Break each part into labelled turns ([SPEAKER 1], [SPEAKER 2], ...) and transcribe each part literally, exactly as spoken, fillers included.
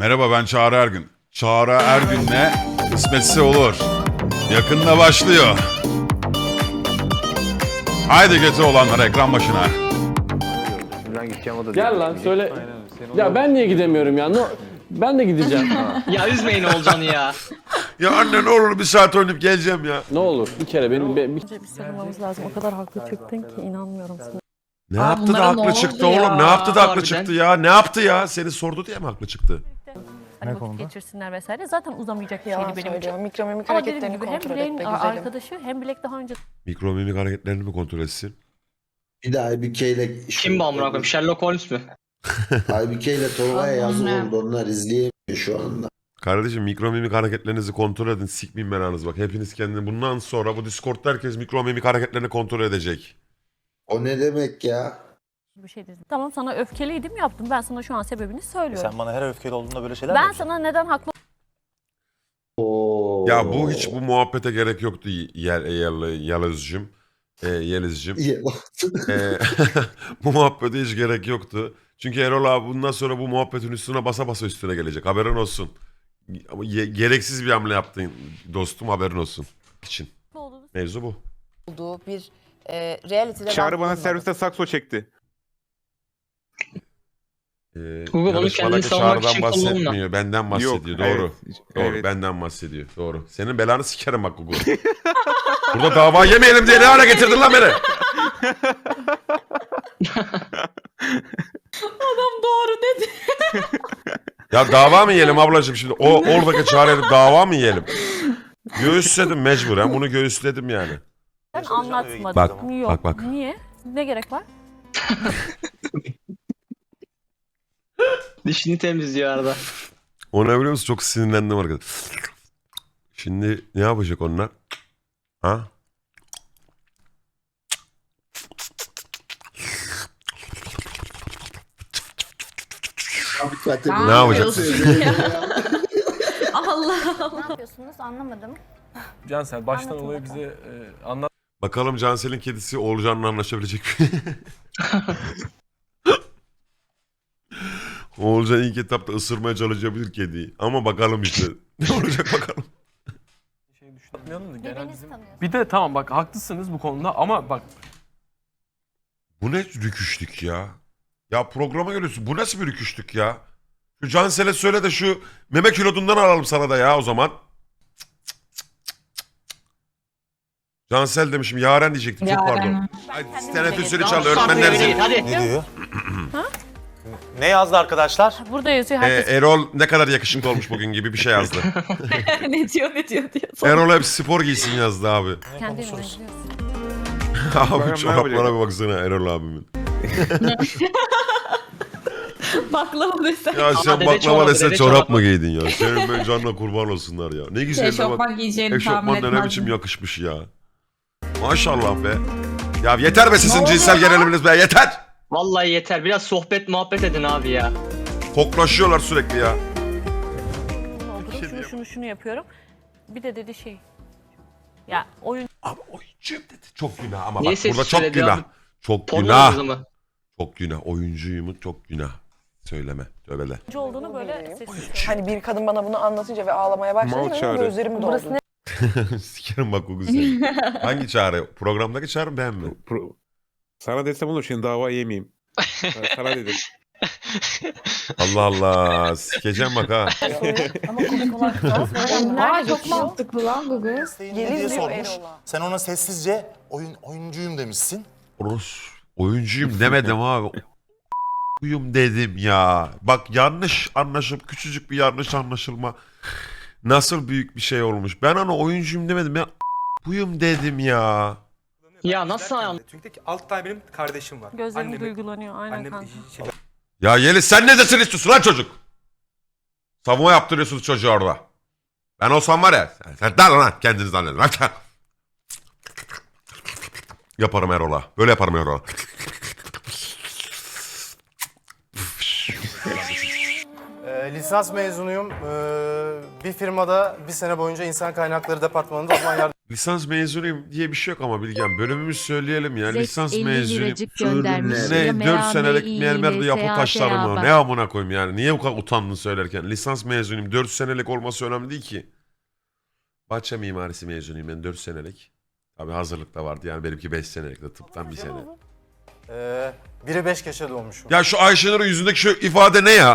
[SPEAKER 1] Merhaba, ben Çağrı Ergün. Çağrı Ergün'le kısmetse olur. Yakında başlıyor. Haydi götü olanlar ekran başına.
[SPEAKER 2] Ben gideceğim o da
[SPEAKER 3] Gel lan söyle. Ya ben niye gidemiyorum ya? No, ben de gideceğim.
[SPEAKER 4] Ya üzmeyin Olcan'ı ya.
[SPEAKER 1] Ya anne ne olur bir saat oynayıp geleceğim ya.
[SPEAKER 3] Ne olur bir kere benim be- bir...
[SPEAKER 5] Bir sarılmamız lazım. O kadar haklı çıktın ki inanmıyorum sana.
[SPEAKER 1] Ne
[SPEAKER 4] Aa,
[SPEAKER 1] yaptı da
[SPEAKER 4] bunlara
[SPEAKER 1] haklı
[SPEAKER 4] ne
[SPEAKER 1] çıktı
[SPEAKER 4] oldu
[SPEAKER 1] oğlum?
[SPEAKER 4] ya?
[SPEAKER 1] Ne yaptı da haklı
[SPEAKER 4] Harbiden.
[SPEAKER 1] çıktı ya? Ne yaptı ya? Seni sordu diye mi haklı çıktı?
[SPEAKER 5] Hani vakit geçirsinler vesaire. Zaten uzamayacak bir
[SPEAKER 6] Yalan
[SPEAKER 5] şeydi benim
[SPEAKER 6] söylüyor.
[SPEAKER 5] için.
[SPEAKER 6] Mikromimik
[SPEAKER 5] Ama dediğim
[SPEAKER 6] hareketlerini
[SPEAKER 5] gibi hem
[SPEAKER 6] kontrol
[SPEAKER 5] Blake'in
[SPEAKER 6] et be güzelim.
[SPEAKER 5] arkadaşı hem Blake daha önce
[SPEAKER 1] Mikromimik hareketlerini mi kontrol etsin?
[SPEAKER 7] Bir de Aybüke ile
[SPEAKER 4] Kim bu amına koyayım? Sherlock Holmes mü?
[SPEAKER 7] Aybüke ile Tolga'ya yazık oldu. Onlar izleyemiyor şu anda.
[SPEAKER 1] Kardeşim mikromimik hareketlerinizi kontrol edin. Sikmeyin belanızı bak. Hepiniz kendini bundan sonra bu Discord'da herkes mikromimik hareketlerini kontrol edecek.
[SPEAKER 7] O ne demek ya?
[SPEAKER 5] bir şey dedim. Tamam sana öfkeliydim yaptım. Ben sana şu an sebebini söylüyorum.
[SPEAKER 8] Sen bana her öfkeli olduğunda böyle şeyler
[SPEAKER 5] Ben
[SPEAKER 8] mi
[SPEAKER 5] sana neden haklı
[SPEAKER 7] Oo.
[SPEAKER 1] Ya bu hiç bu muhabbete gerek yoktu Yel, Yel, Yeliz'cim. E, Yeliz'cim. E, bu muhabbete hiç gerek yoktu. Çünkü Erol abi bundan sonra bu muhabbetin üstüne basa basa üstüne gelecek. Haberin olsun. Ama ye- gereksiz bir hamle yaptın dostum, haberin olsun. için.
[SPEAKER 5] olduğunu
[SPEAKER 1] Mevzu bu.
[SPEAKER 6] Olduğu bir e, reality'de ben
[SPEAKER 2] Çağrı bana
[SPEAKER 6] bulunmadım.
[SPEAKER 2] serviste sakso çekti.
[SPEAKER 1] Ee,
[SPEAKER 4] Google bunu
[SPEAKER 1] yarışmadaki
[SPEAKER 4] kendini savunmak
[SPEAKER 1] Çağrı'dan
[SPEAKER 4] için kullanma.
[SPEAKER 1] bahsetmiyor. Benden bahsediyor. Doğru.
[SPEAKER 2] Evet,
[SPEAKER 1] Doğru.
[SPEAKER 2] evet.
[SPEAKER 1] Benden bahsediyor. Doğru. Senin belanı sikerim bak Google. Burada dava yemeyelim diye ne hale getirdin lan beni?
[SPEAKER 5] doğru dedi.
[SPEAKER 1] Ya dava mı yiyelim ablacığım şimdi? O oradaki Çağrı'ya dava mı yiyelim? Göğüsledim mecburen. Bunu göğüsledim yani.
[SPEAKER 5] Ben anlatmadım.
[SPEAKER 1] Bak,
[SPEAKER 5] Yok.
[SPEAKER 1] bak, bak.
[SPEAKER 5] Niye? Ne gerek var?
[SPEAKER 4] Dişini temizliyor arada.
[SPEAKER 1] O ne biliyor musun? Çok sinirlendim arkadaş. Şimdi ne yapacak onlar? Ha? Ne yapacak?
[SPEAKER 5] Allah
[SPEAKER 6] Ne yapıyorsunuz anlamadım.
[SPEAKER 3] Cansel baştan
[SPEAKER 6] Anlatın
[SPEAKER 3] olayı
[SPEAKER 6] bakalım.
[SPEAKER 3] bize e, anlat.
[SPEAKER 1] Bakalım Cansel'in kedisi Oğulcan'la anlaşabilecek mi? Oğulcan ilk etapta ısırmaya çalışabilir kediyi. Ama bakalım işte. Ne olacak bakalım.
[SPEAKER 3] Şey düşünmeyelim de genel
[SPEAKER 6] Birbirinizi
[SPEAKER 3] bizim...
[SPEAKER 6] tanıyorsunuz.
[SPEAKER 3] Bir de tamam bak haklısınız bu konuda ama bak
[SPEAKER 1] Bu ne rüküşlük ya? Ya programa geliyorsun. Bu nasıl bir rüküşlük ya? Şu Cansel'e söyle de şu meme kilodundan alalım sana da ya o zaman. Cansel demişim. Yaren diyecektim. Çok pardon. Ay, teneffüsünü çal. Öğretmenler zil.
[SPEAKER 4] Hadi.
[SPEAKER 8] Ne diyor? Ne yazdı arkadaşlar?
[SPEAKER 5] burada yazıyor
[SPEAKER 1] Ee,
[SPEAKER 5] herkes.
[SPEAKER 1] Erol ne kadar yakışıklı olmuş bugün gibi bir şey yazdı.
[SPEAKER 5] ne diyor ne diyor diyor.
[SPEAKER 1] Erol hep spor giysin yazdı abi.
[SPEAKER 5] Kendi evine
[SPEAKER 8] konuşuruz.
[SPEAKER 5] gidiyorsun.
[SPEAKER 1] Abi
[SPEAKER 2] Bakalım ne
[SPEAKER 1] çoraplara
[SPEAKER 2] yapacak?
[SPEAKER 1] bir baksana Erol abimin.
[SPEAKER 5] Baklava desen.
[SPEAKER 1] Ya sen
[SPEAKER 4] dede
[SPEAKER 1] baklava
[SPEAKER 4] çorabı,
[SPEAKER 1] desen
[SPEAKER 4] dede
[SPEAKER 1] çorap
[SPEAKER 4] çorabı.
[SPEAKER 1] mı giydin ya? Senin ben canına kurban olsunlar ya. Ne güzel de bak.
[SPEAKER 9] Eşofman giyeceğini tahmin
[SPEAKER 1] Eşofman da ne biçim
[SPEAKER 9] etmezdim.
[SPEAKER 1] yakışmış ya. Maşallah be. Ya yeter be sizin cinsel geriliminiz be yeter.
[SPEAKER 4] Vallahi yeter. Biraz sohbet muhabbet edin abi ya.
[SPEAKER 1] Koklaşıyorlar sürekli ya.
[SPEAKER 5] Doldurup şunu şunu şunu yapıyorum. Bir de dedi şey. Ya oyun
[SPEAKER 1] Abi oyuncuyum dedi. Çok günah ama
[SPEAKER 4] Niye
[SPEAKER 1] bak
[SPEAKER 4] ses
[SPEAKER 1] burada çok
[SPEAKER 4] söyledi
[SPEAKER 1] günah.
[SPEAKER 4] abi?
[SPEAKER 1] Çok
[SPEAKER 4] Porno
[SPEAKER 1] günah.
[SPEAKER 4] kızı mı?
[SPEAKER 1] Çok günah. Oyuncuyum çok günah. Söyleme. Tövbeler.
[SPEAKER 5] olduğunu böyle sessiz.
[SPEAKER 6] Hani bir kadın bana bunu anlatınca ve ağlamaya
[SPEAKER 2] Mal
[SPEAKER 6] başlayınca benim
[SPEAKER 2] Çağrı.
[SPEAKER 6] gözlerim doldu.
[SPEAKER 1] Sikerim bak o güzel. Hangi çağrı? Programdaki çağrı mı ben mi?
[SPEAKER 2] Pro- Sana desem olur şimdi dava yemeyeyim. Ben sana dedim.
[SPEAKER 1] Allah Allah. Sikeceğim bak ha.
[SPEAKER 6] Ama komik olan kız.
[SPEAKER 9] Aa çok mantıklı lan bu kız.
[SPEAKER 8] Ne
[SPEAKER 6] Gelin
[SPEAKER 8] diye
[SPEAKER 6] diyor
[SPEAKER 8] sormuş.
[SPEAKER 6] Erol'a.
[SPEAKER 8] Sen ona sessizce oyun oyuncuyum demişsin.
[SPEAKER 1] Rus. Oyuncuyum demedim abi. Oyuncuyum dedim ya. Bak yanlış anlaşıp küçücük bir yanlış anlaşılma. Nasıl büyük bir şey olmuş. Ben ona oyuncuyum demedim ya. Buyum dedim ya.
[SPEAKER 4] Ya nasıl ayağım?
[SPEAKER 10] Çünkü alt tane benim kardeşim var.
[SPEAKER 5] Gözlerim
[SPEAKER 10] Annemi-
[SPEAKER 5] duygulanıyor aynen
[SPEAKER 10] Annem
[SPEAKER 5] kanka.
[SPEAKER 10] şey,
[SPEAKER 1] Ya Yeliz sen ne desin istiyorsun lan çocuk? Savunma yaptırıyorsunuz çocuğa orada. Ben olsam var ya. Sen, sen der lan kendiniz zannedin. Lan sen- Yaparım Erol'a. Böyle yaparım Erol'a.
[SPEAKER 10] Ee, lisans mezunuyum. Ee, bir firmada bir sene boyunca insan kaynakları departmanında uzman
[SPEAKER 1] Lisans mezunuyum diye bir şey yok ama Bilgen. Bölümümüz söyleyelim ya. Lisans mezunuyum.
[SPEAKER 7] göndermiş.
[SPEAKER 1] Ne dört senelik mermerde yapı taşları mı? Ne amına koyayım yani. Niye bu kadar utandın söylerken? Lisans mezunuyum. dört senelik olması önemli değil ki. Bahçe mimarisi mezunuyum ben dört senelik. Tabii hazırlıkta vardı yani benimki beş senelik de tıptan bir sene.
[SPEAKER 10] Ee, biri beş geçe doğmuşum.
[SPEAKER 1] Ya şu Ayşenur'un yüzündeki şu ifade ne ya?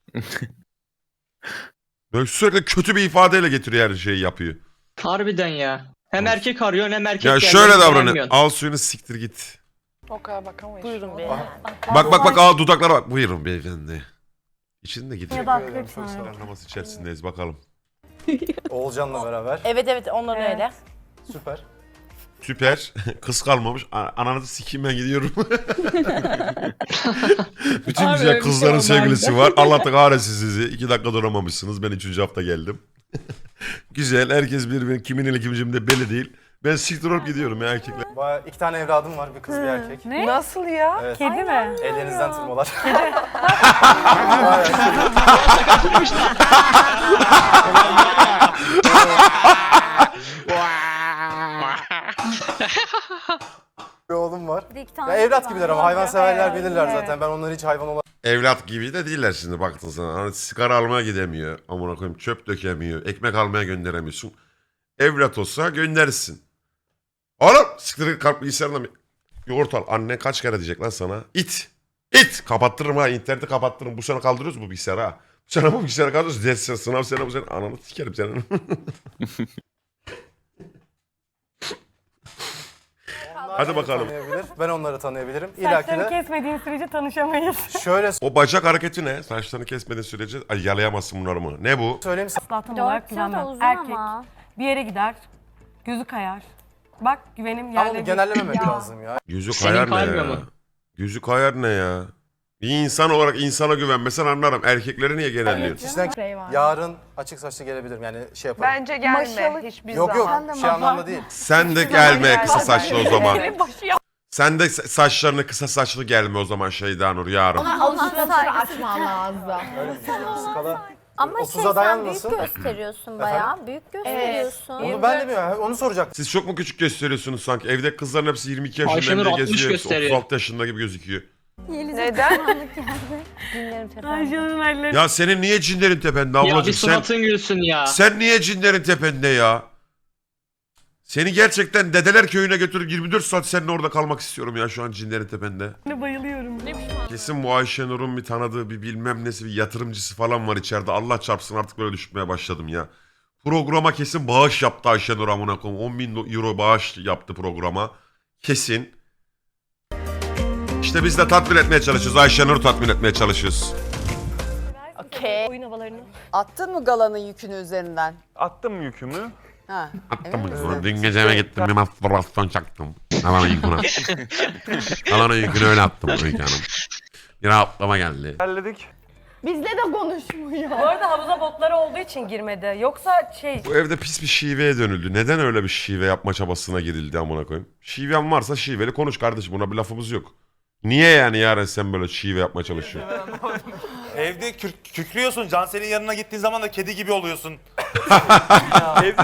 [SPEAKER 1] Böyle sürekli kötü bir ifadeyle getiriyor her şeyi yapıyor.
[SPEAKER 4] Harbiden ya. Hem erkek arıyorsun hem erkek
[SPEAKER 1] Ya
[SPEAKER 4] geldi,
[SPEAKER 1] şöyle
[SPEAKER 4] hem
[SPEAKER 1] davranıyor.
[SPEAKER 4] beğenmiyorsun.
[SPEAKER 1] Al suyunu siktir git.
[SPEAKER 6] O kadar bakamayız.
[SPEAKER 5] Buyurun bey.
[SPEAKER 1] Bak bak bak al dudaklara bak. Buyurun beyefendi. İçinde gidiyor.
[SPEAKER 6] Ya da akrep sanırım.
[SPEAKER 1] Anlaması içerisindeyiz bakalım.
[SPEAKER 10] Oğulcan'la beraber.
[SPEAKER 6] Evet evet onların
[SPEAKER 5] Evet.
[SPEAKER 6] öyle.
[SPEAKER 10] Süper.
[SPEAKER 1] Süper. Kız kalmamış. A- Ananızı sikeyim ben gidiyorum. Bütün
[SPEAKER 9] Abi
[SPEAKER 1] güzel
[SPEAKER 9] öyle bir
[SPEAKER 1] kızların
[SPEAKER 9] şey olmaz.
[SPEAKER 1] sevgilisi var. Allah da kahretsin sizi. İki dakika duramamışsınız. Ben üçüncü hafta geldim. Güzel. Herkes birbirinin kimin ile kimin de belli değil. Ben siktir olup gidiyorum ya erkekler.
[SPEAKER 10] Baya iki tane evladım var. Bir kız bir erkek.
[SPEAKER 5] Ne?
[SPEAKER 6] Nasıl ya?
[SPEAKER 10] Evet.
[SPEAKER 5] Kedi mi?
[SPEAKER 10] Ellerinizden tırmalar. Bir oğlum var. Ya evlat gibiler ama hayvanseverler bilirler zaten. Ben onları hiç hayvan olarak
[SPEAKER 1] Evlat gibi de değiller şimdi baktın sana. Hani sigara almaya gidemiyor. Amına koyayım çöp dökemiyor. Ekmek almaya gönderemiyorsun. Evlat olsa göndersin. Oğlum siktir kalk bilgisayarına bir yoğurt al. Anne kaç kere diyecek lan sana? İt. İt. Kapattırırım ha. İnterneti kapattırırım. Bu sene kaldırıyoruz bu bilgisayarı ha. Bu sene bu bilgisayarı kaldırıyoruz. Ders sen, sınav sene bu sene. Ananı sikerim senin. Hadi bakalım.
[SPEAKER 10] tanıyabilir. Ben onları tanıyabilirim. İlla ki de
[SPEAKER 5] kesmediğin sürece tanışamayız.
[SPEAKER 10] şöyle
[SPEAKER 1] O bacak hareketi ne? Saçlarını kesmediğin sürece ay, yalayamazsın bunları mı? Ne bu?
[SPEAKER 10] söyleyeyim sana.
[SPEAKER 5] Asla tam olarak güvenmem. Erkek bir yere gider, gözü kayar. Bak güvenim
[SPEAKER 10] Ama
[SPEAKER 5] yerle
[SPEAKER 10] onu
[SPEAKER 5] bir.
[SPEAKER 10] genellememek lazım ya.
[SPEAKER 1] Yüzü
[SPEAKER 4] Senin
[SPEAKER 1] kayar ne
[SPEAKER 4] kaymıyor
[SPEAKER 1] ya?
[SPEAKER 4] mu?
[SPEAKER 1] Yüzü kayar ne ya? Bir insan olarak insana güvenmesen anlarım. Erkekleri niye genelliyorsun?
[SPEAKER 10] Kişiden yarın açık saçlı gelebilirim. Yani şey yaparım.
[SPEAKER 6] Bence gelme hiçbir
[SPEAKER 10] Yok yok.
[SPEAKER 6] zaman.
[SPEAKER 10] Şey anlamda değil.
[SPEAKER 1] Sen de gelme kısa saçlı o zaman.
[SPEAKER 5] Başı yap.
[SPEAKER 1] Sen de sa- saçlarını kısa saçlı gelme o zaman Şeyda Nur yarın.
[SPEAKER 9] açman lazım.
[SPEAKER 10] Öyle bir şey. Skala
[SPEAKER 6] Ama
[SPEAKER 10] otuza dayanmasın.
[SPEAKER 6] gösteriyorsun bayağı. Büyük gösteriyorsun.
[SPEAKER 10] Onu ben de bilmiyorum. Onu soracak.
[SPEAKER 1] Siz çok mu küçük gösteriyorsunuz sanki? Evde kızların hepsi yirmi iki yaşında
[SPEAKER 4] Ayşenur
[SPEAKER 1] diye
[SPEAKER 4] altmış
[SPEAKER 1] geziyor. Hepsi
[SPEAKER 4] gösteriyor.
[SPEAKER 1] otuz altı yaşında gibi gözüküyor.
[SPEAKER 6] Neden? Dinlerim tepemde.
[SPEAKER 5] Ayşe'nin elleri.
[SPEAKER 1] Ya senin niye cinlerin tepende
[SPEAKER 4] Ya bir
[SPEAKER 1] ablacığım? Sen,
[SPEAKER 4] suratın gülsün ya.
[SPEAKER 1] sen niye cinlerin tepende ya? Seni gerçekten dedeler köyüne götürüp yirmi dört saat seninle orada kalmak istiyorum ya şu an cinlerin tepende.
[SPEAKER 5] Bayılıyorum.
[SPEAKER 1] Kesin bu Ayşenur'un bir tanıdığı bir bilmem nesi bir yatırımcısı falan var içeride. Allah çarpsın artık böyle düşünmeye başladım ya. Programa kesin bağış yaptı Ayşenur amına koyayım. on bin euro bağış yaptı programa. Kesin. İşte biz de tatmin etmeye çalışıyoruz. Ayşenur'u tatmin etmeye çalışıyoruz.
[SPEAKER 6] Okey.
[SPEAKER 5] Oyun havalarını.
[SPEAKER 6] Attın mı galanın yükünü üzerinden?
[SPEAKER 2] Attım yükümü.
[SPEAKER 6] Ha.
[SPEAKER 1] Attım mı? Dün gece eve gittim bir mastürbasyon çaktım. Alanın yükünü. Alanın yükünü öyle attım Öykü Hanım. Bir rahatlama geldi.
[SPEAKER 2] Halledik.
[SPEAKER 9] Bizle de konuşmuyor.
[SPEAKER 5] Bu arada havuza botları olduğu için girmedi. Yoksa şey...
[SPEAKER 1] Bu evde pis bir şiveye dönüldü. Neden öyle bir şive yapma çabasına girildi amına koyayım? Şiven varsa şiveli konuş kardeşim. Buna bir lafımız yok. Niye yani yarın sen böyle şive yapmaya çalışıyorsun?
[SPEAKER 8] Evde kür- kükrüyorsun. Cansel'in yanına gittiğin zaman da kedi gibi oluyorsun. Evde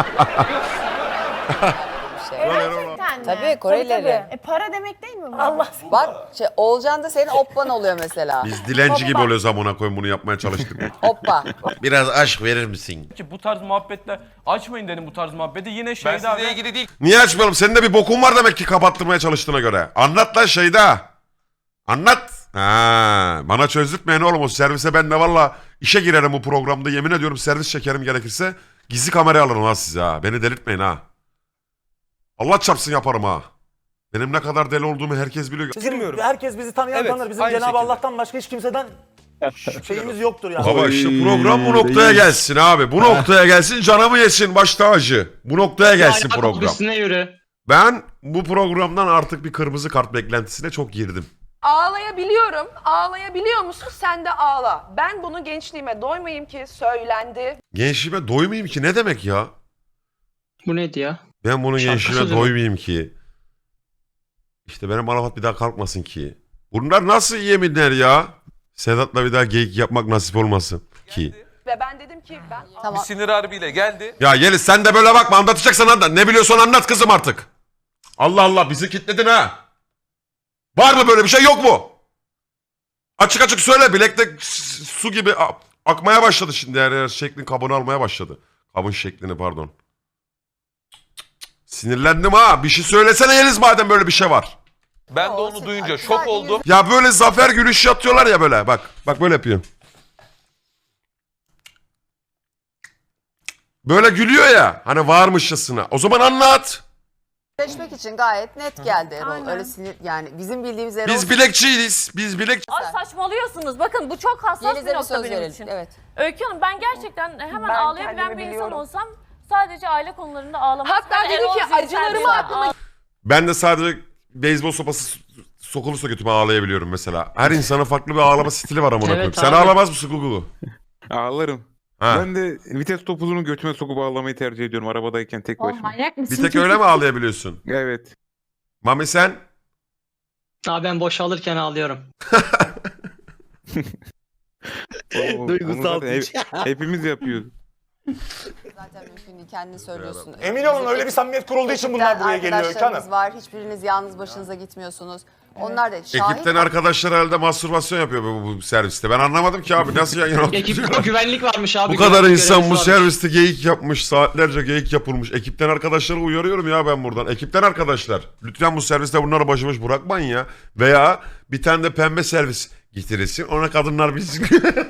[SPEAKER 6] Tabii Korelileri.
[SPEAKER 9] E para demek değil mi bu?
[SPEAKER 5] Allah
[SPEAKER 6] Bak şey, Oğulcan da senin oppan oluyor mesela.
[SPEAKER 1] Biz dilenci gibi oluyoruz amına koyayım bunu yapmaya çalıştık.
[SPEAKER 6] Oppa.
[SPEAKER 1] Biraz aşk verir misin?
[SPEAKER 3] Ki bu tarz muhabbetler açmayın dedim bu tarz muhabbeti. Yine Şeyda ve
[SPEAKER 8] ilgili değil.
[SPEAKER 1] Niye açmayalım? Senin de bir bokun var demek ki kapattırmaya çalıştığına göre. Anlat lan Şeyda. Anlat. Ha, bana çözdürtmeyin oğlum o servise ben de valla işe girerim bu programda. Yemin ediyorum servis çekerim gerekirse. Gizli kameraya alırım ha size ha. Beni delirtmeyin ha. Allah çarpsın yaparım ha. Benim ne kadar deli olduğumu herkes biliyor.
[SPEAKER 10] Girmiyorum.
[SPEAKER 8] Herkes bizi tanıyan
[SPEAKER 10] Evet,
[SPEAKER 8] tanır. Bizim
[SPEAKER 10] aynı
[SPEAKER 8] Cenab-ı
[SPEAKER 10] şekilde.
[SPEAKER 8] Allah'tan başka hiç kimseden şeyimiz yoktur yani.
[SPEAKER 1] Baba işte program bu noktaya gelsin abi. Bu noktaya gelsin canımı yesin baş tacı. Bu noktaya gelsin
[SPEAKER 4] Aynen,
[SPEAKER 1] program.
[SPEAKER 4] üstüne yürü.
[SPEAKER 1] Ben bu programdan artık bir kırmızı kart beklentisine çok girdim.
[SPEAKER 6] Ağlayabiliyorum. Ağlayabiliyor musun? Sen de ağla. Ben bunu gençliğime doymayayım ki söylendi.
[SPEAKER 1] Gençliğime doymayayım ki ne demek ya?
[SPEAKER 4] Bu neydi ya?
[SPEAKER 1] Ben bunun
[SPEAKER 4] Şarkı
[SPEAKER 1] gençliğime
[SPEAKER 4] sözü mü?
[SPEAKER 1] doymayayım ki. İşte benim Arafat bir daha kalkmasın ki. Bunlar nasıl yeminler ya? Sedat'la bir daha geyik yapmak nasip olmasın ki.
[SPEAKER 6] Ve Ve ben dedim ki ben
[SPEAKER 11] Tamam.
[SPEAKER 12] Sinir harbiyle geldi.
[SPEAKER 1] Ya Yeliz sen de böyle bakma, anlatacaksan anlat. Ne biliyorsan anlat kızım artık. Allah Allah, bizi kitledin ha. Var mı böyle bir şey, yok mu? Açık açık söyle, bilekte s- su gibi a- akmaya başladı şimdi, her yer şeklin kabını almaya başladı. Kabın şeklini, pardon. Sinirlendim ha, bir şey söylesene Yeliz madem böyle bir şey var.
[SPEAKER 12] Ben de onu duyunca şok oldum.
[SPEAKER 1] Ya böyle zafer gülüşü atıyorlar ya böyle, bak bak böyle yapıyor. Böyle gülüyor ya hani varmışçasına, o zaman anlat.
[SPEAKER 11] Birleşmek için gayet net geldi Erol.
[SPEAKER 5] Aynen.
[SPEAKER 11] Öyle sinir yani bizim bildiğimiz Erol.
[SPEAKER 1] Biz bilekçiyiz, biz bilek...
[SPEAKER 5] Ay saçmalıyorsunuz. Bakın bu çok hassas
[SPEAKER 11] Yeliz'e
[SPEAKER 5] bir
[SPEAKER 11] bir
[SPEAKER 5] nokta
[SPEAKER 11] söz
[SPEAKER 5] benim
[SPEAKER 11] verelim.
[SPEAKER 5] için.
[SPEAKER 11] Evet.
[SPEAKER 5] Öykü Hanım, ben gerçekten hemen
[SPEAKER 6] Ben
[SPEAKER 5] ağlayabilen
[SPEAKER 6] kendimi
[SPEAKER 5] bir insan
[SPEAKER 6] biliyorum.
[SPEAKER 5] olsam sadece aile konularında ağlamam.
[SPEAKER 6] hatta
[SPEAKER 5] Ben
[SPEAKER 6] dedi
[SPEAKER 5] Erol
[SPEAKER 6] ki
[SPEAKER 5] Zinsel
[SPEAKER 6] acılarımı
[SPEAKER 5] bir-
[SPEAKER 6] aklıma
[SPEAKER 1] Ben de sadece beyzbol sopası sokulursa götüme ağlayabiliyorum mesela. Her insanın farklı bir ağlama stili var amına koyayım.
[SPEAKER 4] Evet
[SPEAKER 1] Sen
[SPEAKER 4] abi.
[SPEAKER 1] ağlamaz mısın Gugu?
[SPEAKER 2] Ağlarım.
[SPEAKER 1] Ha.
[SPEAKER 2] Ben de vites topuzunu götüme sokup ağlamayı tercih ediyorum arabadayken tek başıma.
[SPEAKER 9] manyak mısın?
[SPEAKER 1] Bir tek öyle mi ağlayabiliyorsun?
[SPEAKER 2] Evet.
[SPEAKER 1] Mami sen?
[SPEAKER 4] Abi ben boşalırken ağlıyorum.
[SPEAKER 2] O- o- onu zaten hep- hepimiz yapıyoruz.
[SPEAKER 11] Zaten mümkün değil. Kendin söylüyorsun.
[SPEAKER 8] Emin olun öyle bir samimiyet kurulduğu için bunlar buraya geliyor Öykü
[SPEAKER 11] Arkadaşlarımız
[SPEAKER 8] Hanım.
[SPEAKER 11] var. Hiçbiriniz yalnız başınıza gitmiyorsunuz. Onlar da şahit.
[SPEAKER 1] Ekipten arkadaşlar herhalde mastürbasyon yapıyor bu, bu serviste. Ben anlamadım ki abi, nasıl yan yana
[SPEAKER 4] Ekipte
[SPEAKER 1] oturuyorlar?
[SPEAKER 4] güvenlik varmış abi.
[SPEAKER 1] Bu kadar
[SPEAKER 4] güvenlik
[SPEAKER 1] insan bu
[SPEAKER 4] görevlisi varmış.
[SPEAKER 1] serviste geyik yapmış, saatlerce geyik yapılmış. Ekipten arkadaşları uyarıyorum ya ben buradan. Ekipten arkadaşlar, lütfen bu serviste bunları başıboş bırakmayın ya. Veya bir tane de pembe servis getirilsin, ona kadınlar bilsin.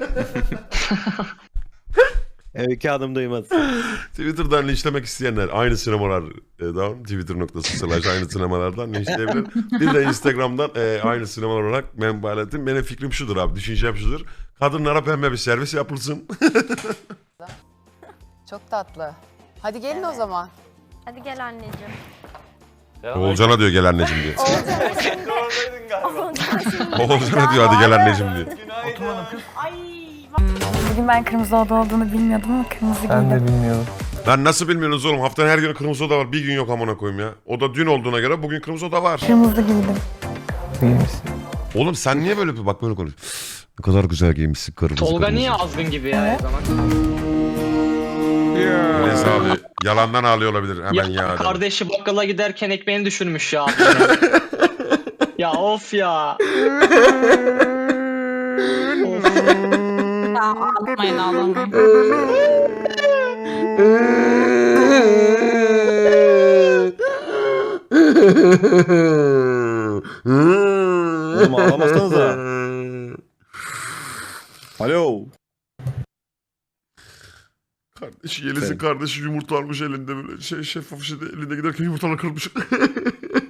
[SPEAKER 3] Öykü Hanım duymaz.
[SPEAKER 1] Twitter'dan linçlemek isteyenler aynı sinemalar e, down, twitter nokta com slash aynı sinemalardan linçleyebilir. Bir de Instagram'dan e, aynı sinemalar olarak menbaaletim. Benim fikrim şudur abi, düşüncem şudur. Kadınlara pembe bir servis yapılsın.
[SPEAKER 11] Çok tatlı. Hadi gelin o zaman.
[SPEAKER 5] Hadi gel anneciğim.
[SPEAKER 1] Oğulcan'a diyor gel anneciğim diye.
[SPEAKER 8] Oradaydın galiba.
[SPEAKER 1] Oğulcan'a diyor hadi gel anneciğim diye.
[SPEAKER 9] Bugün ben kırmızı oda olduğunu bilmiyordum ama kırmızı giydim.
[SPEAKER 3] bilmiyorum.
[SPEAKER 1] Lan nasıl bilmiyorsunuz oğlum? Haftanın her günü kırmızı oda var. Bir gün yok amına koyayım ya. O da dün olduğuna göre bugün kırmızı oda var.
[SPEAKER 9] Kırmızı giydim.
[SPEAKER 1] Oğlum sen niye böyle bir bak böyle konuş. Ne kadar güzel giymişsin kırmızı
[SPEAKER 4] Tolga
[SPEAKER 1] kırmızı.
[SPEAKER 4] niye azgın gibi ya her zaman?
[SPEAKER 2] Ya.
[SPEAKER 1] Neyse abi yalandan ağlıyor olabilir. Hemen ya.
[SPEAKER 4] Ya
[SPEAKER 1] dedim.
[SPEAKER 4] kardeşi bakkala giderken ekmeğini düşürmüş ya. Ya of ya.
[SPEAKER 9] Ağlamayın ağlamayın.
[SPEAKER 3] Oğlum ağlamasanıza. Alo.
[SPEAKER 1] Kardeşi Yeliz'in kardeşi yumurta almış elinde böyle şey şeffaf şeyde elinde giderken yumurtalar kırmış.